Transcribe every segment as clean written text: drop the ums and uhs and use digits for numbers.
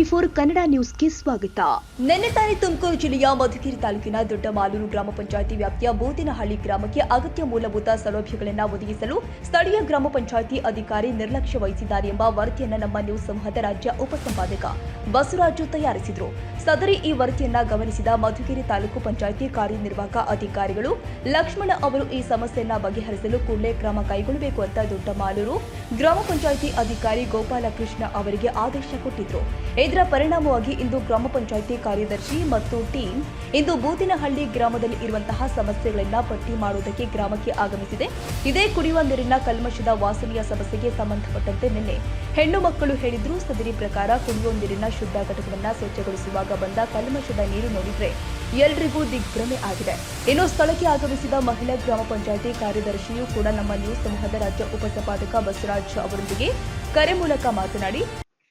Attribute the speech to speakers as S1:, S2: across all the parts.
S1: ಟಿವಿ24 ಕನ್ನಡ ನ್ಯೂಸ್ಗೆ ಸ್ವಾಗತ. ನಿನ್ನೆ ತಾನೇ ತುಮಕೂರು ಜಿಲ್ಲೆಯ ಮಧುಗಿರಿ ತಾಲೂಕಿನ ದೊಡ್ಡಮಾಲೂರು ಗ್ರಾಮ ಪಂಚಾಯಿತಿ ವ್ಯಾಪ್ತಿಯ ಬೋದಿನಹಳ್ಳಿ ಗ್ರಾಮಕ್ಕೆ ಅಗತ್ಯ ಮೂಲಭೂತ ಸೌಲಭ್ಯಗಳನ್ನು ಒದಗಿಸಲು ಸ್ಥಳೀಯ ಗ್ರಾಮ ಪಂಚಾಯಿತಿ ಅಧಿಕಾರಿ ನಿರ್ಲಕ್ಷ್ಯ ವಹಿಸಿದ್ದಾರೆ ಎಂಬ ವರದಿಯನ್ನು ನಮ್ಮ ನ್ಯೂಸ್ ಸಮೂಹದ ರಾಜ್ಯ ಉಪಸಂಪಾದಕ ಬಸವರಾಜು ತಯಾರಿಸಿದರು. ಸದರಿ ಈ ವರದಿಯನ್ನು ಗಮನಿಸಿದ ಮಧುಗಿರಿ ತಾಲೂಕು ಪಂಚಾಯಿತಿ ಕಾರ್ಯನಿರ್ವಾಹಕ ಅಧಿಕಾರಿಗಳು ಲಕ್ಷ್ಮಣ ಅವರು ಈ ಸಮಸ್ಯೆಯನ್ನು ಬಗೆಹರಿಸಲು ಕೂಡಲೇ ಕ್ರಮ ಕೈಗೊಳ್ಳಬೇಕು ಅಂತ ದೊಡ್ಡಮಾಲೂರು ಗ್ರಾಮ ಪಂಚಾಯಿತಿ ಅಧಿಕಾರಿ ಗೋಪಾಲಕೃಷ್ಣ ಅವರಿಗೆ ಆದೇಶ ಕೊಟ್ಟಿದ್ರು. ಇದರ ಪರಿಣಾಮವಾಗಿ ಇಂದು ಗ್ರಾಮ ಪಂಚಾಯಿತಿ ಕಾರ್ಯದರ್ಶಿ ಮತ್ತು ಟೀಮ್ ಇಂದು ಬೂದಿನಹಳ್ಳಿ ಗ್ರಾಮದಲ್ಲಿ ಇರುವಂತಹ ಸಮಸ್ಯೆಗಳನ್ನ ಪಟ್ಟಿ ಮಾಡುವುದಕ್ಕೆ ಗ್ರಾಮಕ್ಕೆ ಆಗಮಿಸಿದೆ. ಇದೇ ಕುಡಿಯುವ ನೀರಿನ ಕಲ್ಮಶದ ವಾಸನೆಯ ಸಮಸ್ಯೆಗೆ ಸಂಬಂಧಪಟ್ಟಂತೆ ನಿನ್ನೆ ಹೆಣ್ಣು ಮಕ್ಕಳು ಹೇಳಿದ್ರು. ಸದರಿ ಪ್ರಕಾರ ಕುಡಿಯುವ ನೀರಿನ ಶುದ್ಧ ಘಟಕವನ್ನು ಸ್ವಚ್ಛಗೊಳಿಸುವಾಗ ಬಂದ ಕಲ್ಮಶದ ನೀರು ನೋಡಿದ್ರೆ ಎಲ್ರಿಗೂ ದಿಗ್ಭ್ರಮೆ ಆಗಿದೆ. ಇನ್ನು ಸ್ಥಳಕ್ಕೆ ಆಗಮಿಸಿದ ಮಹಿಳಾ ಗ್ರಾಮ ಪಂಚಾಯಿತಿ ಕಾರ್ಯದರ್ಶಿಯೂ ಕೂಡ ನಮ್ಮ ನ್ಯೂಸ್ ಸಮೂಹದ ರಾಜ್ಯ ಉಪಸಂಪಾದಕ ಬಸವರಾಜ್ ಅವರೊಂದಿಗೆ ಕರೆ ಮೂಲಕ ಮಾತನಾಡಿ,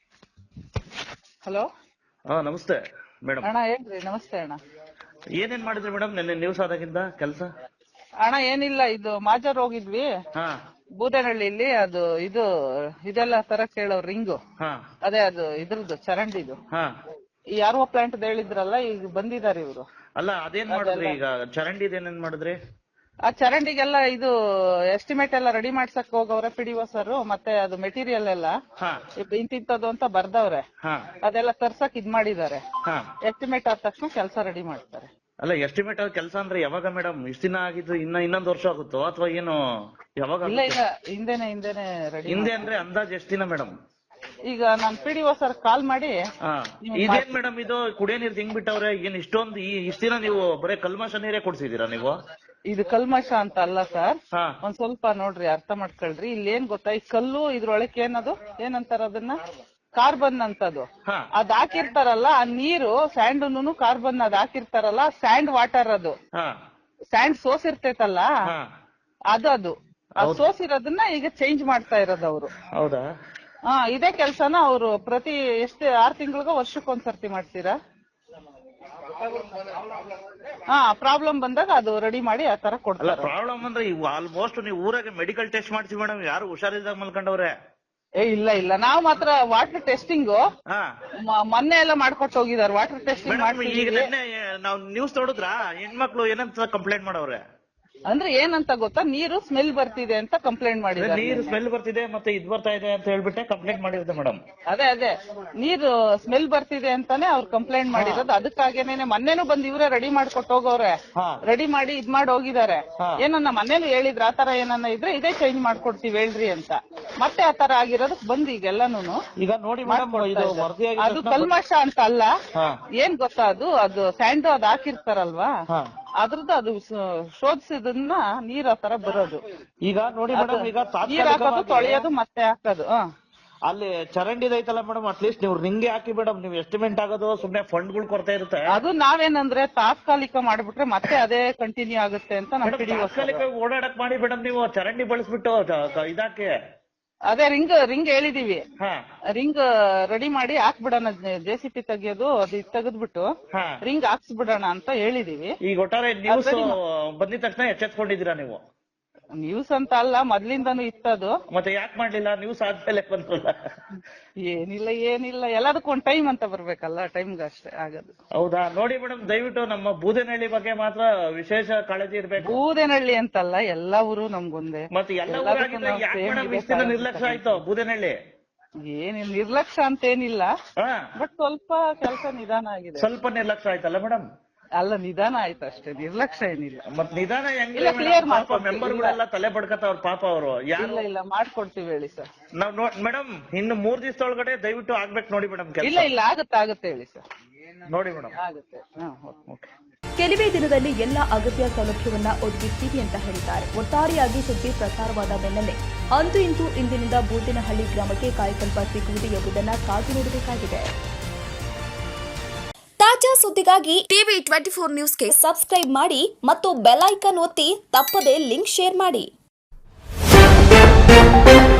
S2: ಹಲೋ
S3: ನಮಸ್ತೆ ಮೇಡಮ್.
S2: ಅಣ್ಣ ಹೇಳ್ರಿ. ನಮಸ್ತೆ ಅಣ್ಣ.
S3: ಏನೇನ್ ಮಾಡಿದ್ರಿ ಮೇಡಮ್ ನಿನ್ನೆ ನ್ಯೂಸ್ ಆದಾಗಿಂದ ಕೆಲಸ?
S2: ಅಣ್ಣ ಏನಿಲ್ಲ, ಇದು ಮಾಜರ್ ಹೋಗಿದ್ವಿ ಬೂದನಹಳ್ಳಿಲಿ. ಅದು ಇದೆಲ್ಲ ತರ ಕೇಳೋ ರಿಂಗು, ಅದೇ ಅದು ಇದ್ರದ್ದು ಚರಂಡಿದು ಈ ಆರ್ಒ ಪ್ಲಾಂಟ್ ಹೇಳಿದ್ರಲ್ಲ, ಈಗ ಬಂದಿದ್ದಾರೆ ಇವರು.
S3: ಅಲ್ಲ ಅದೇನ್ ಮಾಡಿದ್ರಿ ಈಗ? ಚರಂಡಿದ ಏನೇನ್ ಮಾಡಿದ್ರಿ?
S2: ಆ ಚರಂಡಿಗೆಲ್ಲ ಇದು ಎಸ್ಟಿಮೇಟ್ ಎಲ್ಲ ರೆಡಿ ಮಾಡ್ಸಕ್ ಹೋಗವ್ರೆ ಪಿಡಿಒ ಸರ್. ಮತ್ತೆ ಅದು ಮೆಟೀರಿಯಲ್ ಎಲ್ಲ ಇಂತಿಂತದ್ದು ಅಂತ ಬರ್ದವ್ರೆ. ಅದೆಲ್ಲ ತರ್ಸಕ್ ಇದ್ ಮಾಡಿದ್ದಾರೆ. ಎಸ್ಟಿಮೇಟ್ ಆದ ತಕ್ಷಣ ಕೆಲಸ ರೆಡಿ ಮಾಡ್ತಾರೆ.
S3: ಅಲ್ಲ ಎಸ್ಟಿಮೇಟ್ ಆದ ಕೆಲಸ ಅಂದ್ರೆ ಯಾವಾಗ ಮೇಡಮ್? ಇಷ್ಟ ದಿನ ಆಗಿದ್ದು ಇನ್ನೊಂದ್ ವರ್ಷ ಆಗುತ್ತೋ ಅಥವಾ ಏನು? ಯಾವಾಗ?
S2: ಇಲ್ಲ ಇಲ್ಲ, ಹಿಂದೆನೆ ರೆಡಿ.
S3: ಹಿಂದೆ ಅಂದ್ರೆ ಅಂದಾಜ್ ಎಷ್ಟ್ ದಿನ ಮೇಡಮ್?
S2: ಈಗ ನಾನ್ ಪಿಡಿಒ ಸರ್ ಕಾಲ್ ಮಾಡಿ,
S3: ಇದೇನ್ ಮೇಡಮ್ ಇದು ಕುಡಿಯೋ ನೀರ್ ಹಿಂಗ್ ಬಿಟ್ಟವ್ರೆ, ಏನ್ ಇಷ್ಟೊಂದು ಇಷ್ಟ ದಿನ ನೀವು ಬರೀ ಕಲ್ಮಶ ನೀರೇ ಕೊಡ್ಸಿದೀರಾ ನೀವು?
S2: ಇದು ಕಲ್ಮಶ ಅಂತ ಅಲ್ಲ ಸರ್, ಒಂದ್ ಸ್ವಲ್ಪ ನೋಡ್ರಿ, ಅರ್ಥ ಮಾಡ್ಕೊಳ್ರಿ. ಇಲ್ಲಿ ಏನ್ ಗೊತ್ತಾ, ಈ ಕಲ್ಲು ಇದ್ರೊಳಕ್ಕೆ ಏನದು ಏನಂತಾರ ಅದನ್ನ, ಕಾರ್ಬನ್ ಅಂತದು. ಅದ್ ಹಾಕಿರ್ತಾರಲ್ಲ, ಆ ನೀರು ಸ್ಯಾಂಡ್ ಕಾರ್ಬನ್ ಅದ್ ಹಾಕಿರ್ತಾರಲ್ಲ, ಸ್ಯಾಂಡ್ ವಾಟರ್ ಅದು. ಸ್ಯಾಂಡ್ ಸೋಸಿರ್ತೈತಲ್ಲ, ಅದು ಸೋಸಿರೋದನ್ನ ಈಗ ಚೇಂಜ್ ಮಾಡ್ತಾ ಇರೋದು ಅವರು.
S3: ಹೌದಾ?
S2: ಇದೇ ಕೆಲ್ಸನ ಅವರು ಪ್ರತಿ 6 ತಿಂಗಳಿಗೋ ವರ್ಷಕ್ಕೊಂದ್ಸರ್ತಿ ಮಾಡ್ತೀರಾ? ಪ್ರಾಬ್ಲಮ್ ಬಂದಾಗ ಅದು ರೆಡಿ ಮಾಡಿ ಆ ತರ ಕೊಡ್ತಾರೆ.
S3: ಪ್ರಾಬ್ಲಮ್ ಅಂದ್ರೆ ಆಲ್ಮೋಸ್ಟ್ ನೀವು ಊರಾಗೆ ಮೆಡಿಕಲ್ ಟೆಸ್ಟ್ ಮಾಡ್ತೀವಿ ಮೇಡಮ್, ಯಾರು ಹುಷಾರಿಲ್ದಾಗ ಮಲ್ಕೊಂಡವ್ರೆ?
S2: ಇಲ್ಲ, ನಾವು ಮಾತ್ರ ವಾಟರ್ ಟೆಸ್ಟಿಂಗ್ ಮೊನ್ನೆ ಎಲ್ಲ ಮಾಡ್ಕೊಟ್ಟು ಹೋಗಿದಾರೆ. ವಾಟರ್ ಟೆಸ್ಟಿಂಗ್
S3: ಈಗ ನಿನ್ನೆ ನಾವು ನ್ಯೂಸ್ ನೋಡಿದ್ರ ಹೆಣ್ಮಕ್ಳು ಏನಂತ ಕಂಪ್ಲೇಂಟ್ ಮಾಡವ್ರೆ?
S2: ಅಂದ್ರೆ ಏನಂತ ಗೊತ್ತಾ, ನೀರು ಸ್ಮೆಲ್ ಬರ್ತಿದೆ ಅಂತ ಕಂಪ್ಲೇಂಟ್ ಮಾಡಿದ್ದಾರೆ.
S3: ನೀರು ಸ್ಮೆಲ್ ಬರ್ತಿದೆ ಮತ್ತೆ ಇದ್ ಬರ್ತಾ ಇದೆ ಅಂತ ಹೇಳ್ಬಿಟ್ಟೆ ಕಂಪ್ಲೇಂಟ್ ಮಾಡಿರುತ್ತೆ ಮೇಡಮ್.
S2: ಅದೇ ನೀರು ಸ್ಮೆಲ್ ಬರ್ತಿದೆ ಅಂತಾನೆ ಅವ್ರು ಕಂಪ್ಲೇಂಟ್ ಮಾಡಿರೋದು. ಅದಕ್ಕಾಗೇನೆ ಮೊನ್ನೆನೂ ಬಂದು ಇವರೇ ರೆಡಿ ಮಾಡ್ಕೊಟ್ಟು ಹೋಗವ್ರೆ. ರೆಡಿ ಮಾಡಿ ಇದ್ ಮಾಡಿ ಹೋಗಿದ್ದಾರೆ. ಏನನ್ನ ಮೊನ್ನೆನೂ ಹೇಳಿದ್ರ, ಆ ತರ ಏನನ್ನ ಇದ್ರೆ ಇದೇ ಚೇಂಜ್ ಮಾಡ್ಕೊಡ್ತೀವಿ ಹೇಳ್ರಿ ಅಂತ. ಮತ್ತೆ ಆ ತರ ಆಗಿರೋದಕ್ ಬಂದು ಈಗೆಲ್ಲಾನು
S3: ಈಗ ನೋಡಿ
S2: ಅದು ಕಲ್ಮಶ ಅಂತ ಅಲ್ಲ. ಏನ್ ಗೊತ್ತಾ, ಅದು ಸ್ಯಾಂಡ್ ಅದ್ ಹಾಕಿರ್ತಾರಲ್ವಾ, ಅದ್ರದ್ದು ಅದು ಶೋಧಿಸಿದನ್ನ ನೀರ್ ಆ ತರ ಬರೋದು.
S3: ಈಗ ನೋಡಿ ಮೇಡಮ್, ಈಗ
S2: ನೀರ್ ಹಾಕೋದು, ತೊಳೆಯೋದು, ಮತ್ತೆ ಹಾಕೋದು.
S3: ಅಲ್ಲಿ ಚರಂಡಿದ ಐತಲ್ಲ ಮೇಡಮ್, ಅಟ್ಲೀಸ್ಟ್ ನೀವು ರಿಂಗ್ ಹಾಕಿ ಮೇಡಮ್. ನೀವು ಎಸ್ಟಿಮೇಟ್ ಆಗೋದು ಸುಮ್ನೆ ಫಂಡ್ಗಳು ಕೊಡ್ತಾ ಇರುತ್ತೆ.
S2: ಅದು ನಾವೇನಂದ್ರೆ ತಾತ್ಕಾಲಿಕ ಮಾಡ್ಬಿಟ್ರೆ ಮತ್ತೆ ಅದೇ ಕಂಟಿನ್ಯೂ ಆಗುತ್ತೆ ಅಂತ ನಮ್
S3: ತಾತ್ಕಾಲಿಕ ಓಡಾಡಕ್ ಮಾಡಿ ಮೇಡಮ್. ನೀವು ಚರಂಡಿ ಬಳಸ್ಬಿಟ್ಟು ಇದಾಕೆ
S2: ಅದೇ ರಿಂಗ್ ಹೇಳಿದೀವಿ. ರಿಂಗ್ ರೆಡಿ ಮಾಡಿ ಹಾಕ್ಬಿಡೋಣ, JCP ತೆಗಿಯೋದು ಅದು ತೆಗೆದ್ಬಿಟ್ಟು ರಿಂಗ್ ಹಾಕ್ಸ್ಬಿಡೋಣ ಅಂತ ಹೇಳಿದೀವಿ.
S3: ಈಗ ಒಟ್ಟಾರೆ ನ್ಯೂಸ್ ಬಂದಿದ ತಕ್ಷಣ ಎಚ್ಚೆತ್ಕೊಂಡಿದ್ದೀರಾ ನೀವು?
S2: ನ್ಯೂಸ್ ಅಂತ ಅಲ್ಲ, ಮೊದ್ಲಿಂದಾನು ಇತ್ತದು.
S3: ಮತ್ತೆ ಯಾಕೆ ಮಾಡ್ಲಿಲ್ಲ? ನ್ಯೂಸ್ ಆದ್ಮೇಲೆ ಬಂದ್ರಲ್ಲ.
S2: ಏನಿಲ್ಲ, ಎಲ್ಲದಕ್ಕೂ ಒಂದ್ ಟೈಮ್ ಅಂತ ಬರ್ಬೇಕಲ್ಲ, ಟೈಮ್ಗೆ ಅಷ್ಟೇ ಆಗೋದು.
S3: ಹೌದಾ? ನೋಡಿ ಮೇಡಮ್, ದಯವಿಟ್ಟು ನಮ್ಮ ಬೂದನಹಳ್ಳಿ ಬಗ್ಗೆ ಮಾತ್ರ ವಿಶೇಷ ಕಾಳಜಿ ಇರ್ಬೇಕು.
S2: ಬೂದನಹಳ್ಳಿ ಅಂತಲ್ಲ, ಎಲ್ಲಾ ಊರು ನಮ್ಗೊಂದೇ.
S3: ಮತ್ತೆ ಎಲ್ಲ ನಿರ್ಲಕ್ಷ್ಯ ಆಯ್ತು ಬೂದನಹಳ್ಳಿ?
S2: ಏನಿಲ್ಲ, ನಿರ್ಲಕ್ಷ್ಯ ಅಂತ ಏನಿಲ್ಲ, ಬಟ್ ಸ್ವಲ್ಪ ಕೆಲಸ ನಿಧಾನ ಆಗಿದೆ.
S3: ಸ್ವಲ್ಪ ನಿರ್ಲಕ್ಷ್ಯ ಆಯ್ತಲ್ಲ ಮೇಡಮ್?
S2: ಅಲ್ಲ, ನಿಧಾನ ಆಯ್ತು ಅಷ್ಟೇ, ನಿರ್ಲಕ್ಷ್ಯ ಏನಿಲ್ಲ.
S3: ಮತ್ ನಿಧಾನ
S2: ಕ್ಲಿಯರ್
S3: ಮೆಂಬರ್ಗಳೆಲ್ಲ ತಲೆ ಬಡ್ಕತ್ತವ್ರ ಪಾಪ ಅವರು.
S2: ಇಲ್ಲ ಮಾಡ್ಕೊಡ್ತೀವಿ ಹೇಳಿ ಸರ್.
S3: ನಾವ್ ಮೇಡಮ್ ಇನ್ನು 3 ದಿವಸದೊಳಗಡೆ ದಯವಿಟ್ಟು ಆಗ್ಬೇಕು ನೋಡಿ ಮೇಡಮ್.
S2: ಇಲ್ಲ ಆಗುತ್ತೆ ಹೇಳಿ ಸರ್.
S3: ನೋಡಿ ಮೇಡಮ್,
S2: ಆಗುತ್ತೆ.
S1: ಕೆಲವೇ ದಿನದಲ್ಲಿ ಎಲ್ಲ ಅಗತ್ಯ ಸೌಲಭ್ಯವನ್ನ ಒದಗಿಸ್ತೀವಿ ಅಂತ ಹೇಳಿದ್ದಾರೆ. ಒಟ್ಟಾರೆಯಾಗಿ ಸುದ್ದಿ ಪ್ರಸಾರವಾದ ಬೆನ್ನಲ್ಲೇ ಅಂತೂ ಇಂತೂ ಇಂದಿನಿಂದ ಬೂದಿನಹಳ್ಳಿ ಗ್ರಾಮಕ್ಕೆ ಕಾಯಕಲ್ಪ ಸಿಗುವುದು ಎಂಬುದನ್ನು ಕಾದು ನೋಡಬೇಕಾಗಿದೆ. ತಾಜಾ ಸುದ್ದಿಗಾಗಿ ಟಿವಿ24 ನ್ಯೂಸ್ಗೆ ಸಬ್ಸ್ಕ್ರೈಬ್ ಮಾಡಿ ಮತ್ತು ಬೆಲ್ ಐಕಾನ್ ಒತ್ತಿ ತಪ್ಪದೇ ಲಿಂಕ್ ಶೇರ್ ಮಾಡಿ.